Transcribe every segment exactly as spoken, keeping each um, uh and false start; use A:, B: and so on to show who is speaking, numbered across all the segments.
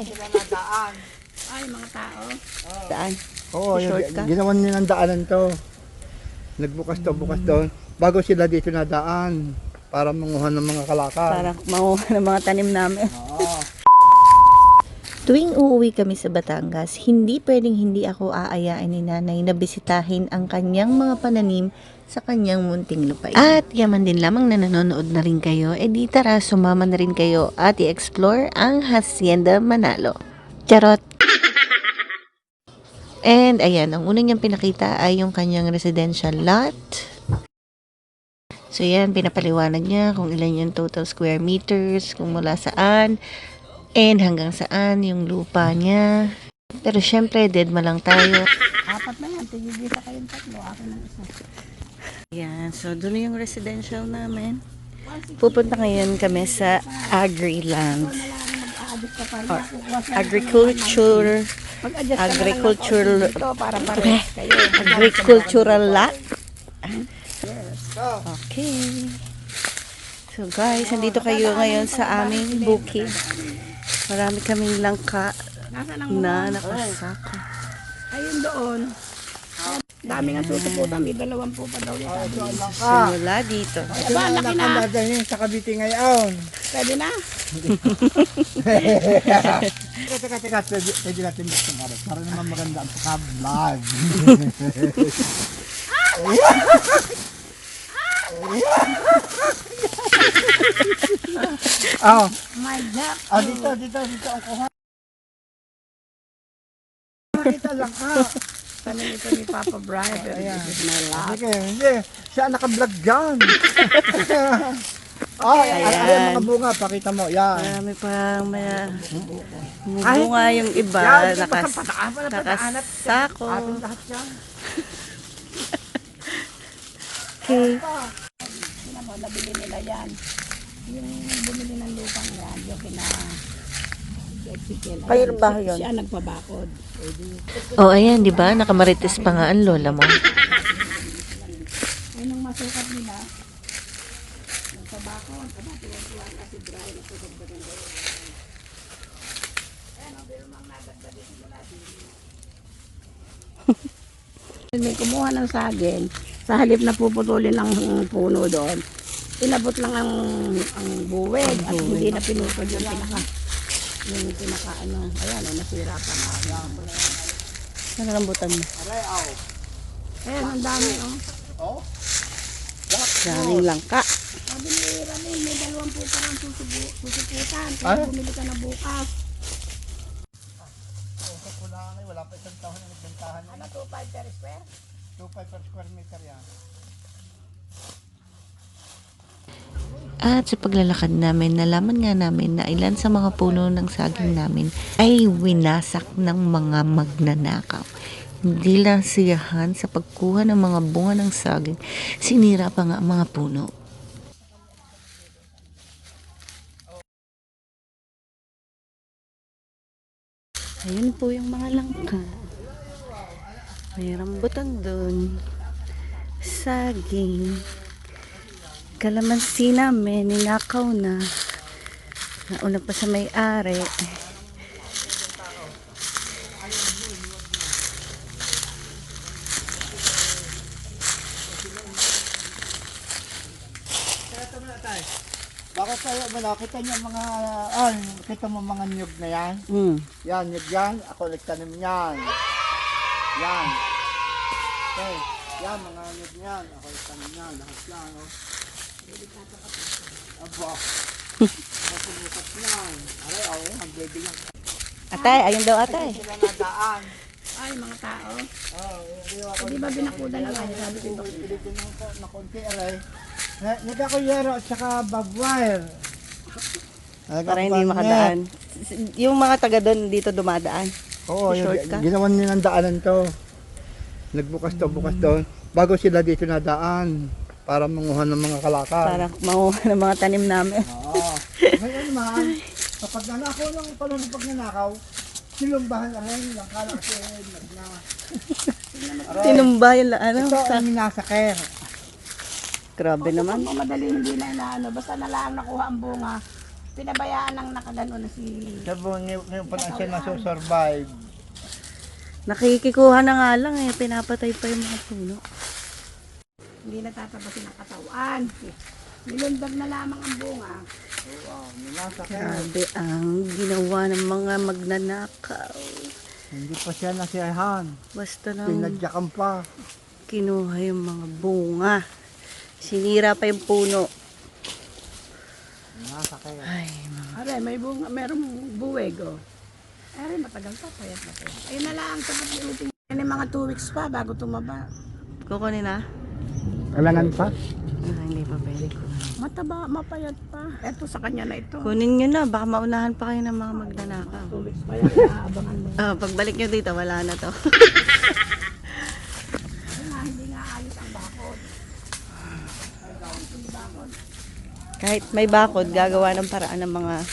A: Sila nadaan.
B: Ay, mga tao.
C: Daan.
A: Oo, yung,
C: Shortcut.
A: ginawan nila ng daanan to. Nagbukas to, bukas doon. Bago sila dito nadaan. Para manguha ng mga kalakal.
C: Para makuha ng mga tanim namin.
A: Oo.
C: Tuwing uuwi kami sa Batangas, hindi pwedeng hindi ako aayain ni nanay na bisitahin ang kanyang mga pananim sa kanyang munting lupain. At yaman din lamang na nanonood na rin kayo, eh di tara sumama na rin kayo at i-explore ang Hacienda Manalo. Charot! And ayan, ang unang niyang pinakita ay yung kanyang residential lot. So yan, pinapaliwanag niya kung ilan yung total square meters, kung mula saan, and hanggang saan yung lupa niya. Pero syempre, dead ma lang tayo.
B: Apat na yan. Tigigisa kayong tatlo. Akin ng isa.
C: Yan, so doon yung residential namin. Pupunta ngayon kami sa Agriland.
B: Mag-a-adjust ka pa.
C: Or
B: Kukuha siya ng
C: agriculture,
B: Mag-adjust ka na lang ng
C: agricultural,
B: konti dito para parehas kayo.
C: agricultural lot. Okay. So guys, nandito kayo ngayon sa aming bukid. Marami kaming langka
B: Nasaan ang
C: na
B: mga?
C: nakasako.
B: Ayun doon. Dami nga susuputan. May dalawang po pa daw yan.
C: Simula dito.
B: Aba, laki na.
A: Nakandadahin sa Cavite ngayon.
B: Pwede na.
A: Teka, teka, teka. Pwede, pwede natin buksan para. Para naman maganda ang pagka-vlog. Oh,
B: My God.
A: ah, dito, dito, dito ang kuha. Dito lang ka.
B: Tanim ito ni Papa Brian. Pero this is my love.
A: Sige, hindi. Siya naka-vlog dyan. Oh, ayan. Ayan mga bunga, pakita mo. Yan.
C: Marami pang may bunga yung iba.
A: Yan,
C: Nakas,
A: pataan pa na pataanat.
C: nakasako.
A: Ating lahat yan.
C: Okay.
B: Yun mo, nabili nila yan. Yung bumili ng lupang yan, yung kina Ezekiel.
C: Kayo rin ba yun?
B: Siya nagpabakod.
C: Oh, ayan, di ba? Nakamarites pa nga ang lola mo.
B: Ay, nung masukat nila, nagpabakod. Aba, tuwa-tuwa kasi Brian. Nagpabakod ba ng may kumuha ng saging, sa halip na puputulin ng puno doon, inabot lang ang ang buweg at hindi na pinutol yung pinaka yung pinaka ano, ayan, oh, nasira pa nga.
C: Ano rambutan mo?
B: Ayan, ang dami, oh.
A: Oh?
C: Daming langka.
B: Sabi ni Ramil, may dalawang puta ng susubu, susuputan.
A: Ay?
B: Kaya bumili ka na bukas.
A: Sa kulangan, wala pa isang taon na nagbentahan.
B: Ano, two five per square?
A: two point five per square meter yan.
C: At sa paglalakad namin, nalaman nga namin na ilan sa mga puno ng saging namin ay winasak ng mga magnanakaw. Hindi lang siyahan sa pagkuha ng mga bunga ng saging, sinira pa nga ang mga puno. Ayun po yung mga langka. May rambutan doon. Saging. Kalamansi namin, ninakaw na. Nauna pa sa may-ari.
A: Bakit tayo, wala, kita niyo mga, ah, kita mo mga nyug na yan?
C: Mm.
A: Yan, nyug yan, ako nagtanim yan. Yan. Okay, yan, mga nyug yan, ako nagtanim yan, lahat yan, oh. Aba, matumukat yan. Aray, oh, ang baby yan.
C: Atay, ayun daw atay.
A: Sila nadaan.
B: Ay, mga tao.
A: Oh, hindi ako.
B: Di ba binakuda lang yan? Sabi ko,
A: Pilitin mo po na konti, aray. Nagka ko yero at saka barbed wire.
C: Para hindi makadaan. Yung mga taga doon dito dumadaan.
A: Oo, yung,
C: Shortcut.
A: ginawan nila ng daanan to. Nagbukas to, bukas doon. Bago sila dito nadaan. Para manguha ng mga kalakal.
C: Para makuha ng mga tanim namin.
A: Oo. Ngayon naman, kapag nanakaw ng panahon pag nanakaw, silumbahan na rin. Lang kala kasi nagna.
C: Tinumba yung la- ano.
A: Ito
C: Sa,
A: ang minasaker.
C: grabe naman.
B: kung madali hindi na inaano, basta nalang nakuha ang bunga, pinabayaan ng nakagano na si...
A: Sabi ngayon ngayon pa lang siya nasusurvive.
C: Nakikikuha na nga lang eh. Pinapatay pa yung mga puno.
B: Hindi natatabasin ang katawan. Nilundag na lamang ang bunga.
A: Oo, minasakit.
C: Grabe ang ginawa ng mga magnanakaw.
A: Hindi pa siya nasiyahan.
C: Basta nang
A: Pinadyakan pa.
C: kinuha yung mga bunga. Sinira pa yung puno.
A: Minasakit.
C: Ay, mga...
B: Are, may bunga, merong buweg, oh. Are, matagal pa, payat na payat. Ayun na lang, tapos ulitin yan yung mga two weeks pa bago tumaba.
C: Kukunin na?
A: Kailangan pa?
C: Ah, hindi pa pwede ko.
B: Mataba, mapayat pa. Eto sa kanya na ito.
C: Kunin nyo na. Baka maunahan pa kayo ng mga magnanakaw.
B: Two weeks pa yan, naabangan mo.
C: Ah, pagbalik nyo dito, wala na to.
B: Ayun nga, hindi nga ayos ang bakod.
C: Kahit may bakod, gagawa ng paraan ng mga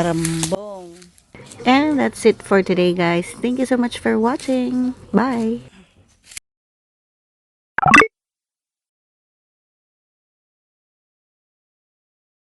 C: mandarambong. And that's it for today, guys. Thank you so much for watching. Bye!